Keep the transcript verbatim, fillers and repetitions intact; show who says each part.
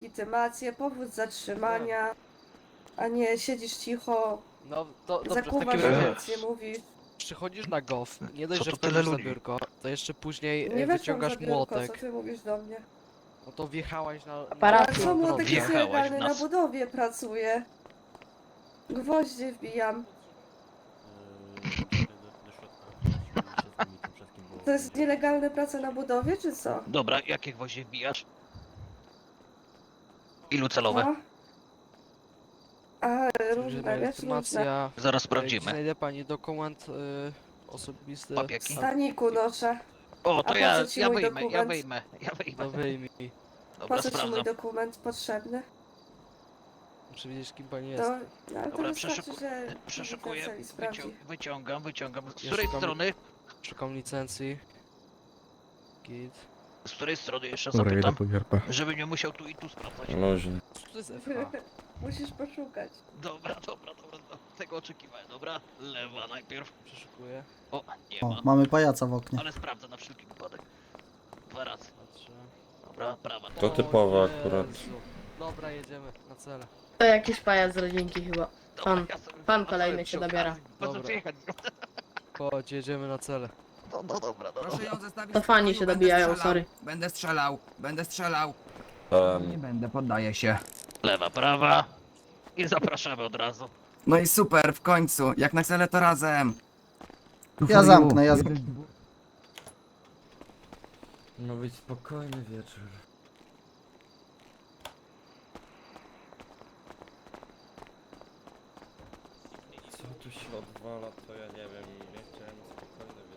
Speaker 1: legitymację, powód zatrzymania, a nie siedzisz cicho,
Speaker 2: No to dobrze, w
Speaker 1: zakuwasz,
Speaker 2: takim
Speaker 1: że
Speaker 2: razie
Speaker 1: nic nie mówisz.
Speaker 2: przychodzisz na gof, nie dość,
Speaker 3: Co
Speaker 2: że
Speaker 3: to tyle
Speaker 2: wchodzisz za
Speaker 3: ludzi?
Speaker 2: biurko, to jeszcze później
Speaker 1: Nie
Speaker 2: e,
Speaker 1: weszłam
Speaker 2: wyciągasz
Speaker 1: za biurko, co
Speaker 2: młotek.
Speaker 1: ty mówisz do mnie?
Speaker 2: No to wjechałaś na...
Speaker 1: A
Speaker 4: Parafii.
Speaker 1: co młotek jest
Speaker 3: Wjechałaś w
Speaker 1: nielegalny, na
Speaker 3: nas.
Speaker 1: budowie pracuje. Gwoździe wbijam. To jest nielegalna praca na budowie, czy co?
Speaker 3: Dobra, jakie gwoździe wbijasz? Ilu celowe?
Speaker 1: No. A, różne, wiesz, różne.
Speaker 2: Legitymacja...
Speaker 3: Zaraz
Speaker 2: e,
Speaker 3: sprawdzimy.
Speaker 2: Znajdę pani dokument y, osobisty.
Speaker 3: Papieki?
Speaker 1: W staniku noszę.
Speaker 3: O,
Speaker 1: A
Speaker 3: to
Speaker 1: po
Speaker 3: ja,
Speaker 1: co ci
Speaker 3: ja
Speaker 1: mój
Speaker 3: wyjmę, ja
Speaker 1: dokument?
Speaker 3: wyjmę, ja
Speaker 2: No
Speaker 3: wyjmę.
Speaker 2: wyjmij.
Speaker 3: Dobra,
Speaker 1: Po co ci mój
Speaker 3: sprawdzam.
Speaker 1: dokument potrzebny?
Speaker 2: Muszę wiedzieć, kim pani
Speaker 1: To,
Speaker 2: jest.
Speaker 1: no, ale to
Speaker 3: Dobra,
Speaker 1: wystarczy,
Speaker 3: przeszuku...
Speaker 1: że
Speaker 3: przeszukuję,
Speaker 1: celi sprawdzi.
Speaker 3: wycią... wyciągam, wyciągam. Z
Speaker 2: Ja
Speaker 3: której
Speaker 2: szukam-
Speaker 3: strony?
Speaker 2: Szukam licencji. Git.
Speaker 3: Z której strony jeszcze
Speaker 5: Dobra, jedę
Speaker 3: zapytam?
Speaker 5: po gierpę.
Speaker 3: Żebym nie musiał tu i tu sprawdzać.
Speaker 5: Luźnie.
Speaker 2: Co to jest F H?
Speaker 1: Musisz poszukać.
Speaker 3: Dobra, dobra, dobra, dobra. Tego oczekiwałem, dobra? Lewa najpierw.
Speaker 2: Przeszukuję.
Speaker 3: O, nie
Speaker 6: O,
Speaker 3: ma.
Speaker 6: mamy pajaca w oknie.
Speaker 3: Ale sprawdzę na wszelki wypadek. Dwa razy.
Speaker 2: Patrzę.
Speaker 3: Dobra, prawa.
Speaker 5: To typowe
Speaker 2: O
Speaker 5: akurat.
Speaker 2: Jezu. Dobra, jedziemy na cele.
Speaker 4: To jakiś pajac z rodzinki chyba.
Speaker 3: Dobra,
Speaker 4: Pan-
Speaker 3: ja sobie
Speaker 4: pan
Speaker 3: wracałem
Speaker 4: kolejny
Speaker 3: przy
Speaker 4: się
Speaker 3: okazji.
Speaker 4: dobiera.
Speaker 3: Po co
Speaker 2: Dobra.
Speaker 3: przyjechać?
Speaker 2: Chodź, jedziemy na cele.
Speaker 3: No, no dobra, dobra.
Speaker 7: Proszę ją zostawić.
Speaker 4: To
Speaker 7: w
Speaker 4: fani
Speaker 7: spokoju,
Speaker 4: się
Speaker 7: będę
Speaker 4: dobijają,
Speaker 7: strzelał.
Speaker 4: sorry.
Speaker 7: Będę strzelał, będę strzelał. Nie
Speaker 5: Um,
Speaker 7: będę, poddaję się.
Speaker 3: Lewa, prawa. I zapraszamy od razu.
Speaker 7: No i super, w końcu. Jak na cele to razem. Tu
Speaker 6: Ja
Speaker 7: for
Speaker 6: zamknę,
Speaker 7: you.
Speaker 6: ja
Speaker 7: Jeden,
Speaker 6: zamknę.
Speaker 7: dwóch.
Speaker 8: Ma być spokojny wieczór.
Speaker 5: co tu się odwala, to ja nie wiem. Nie chciałem spokojny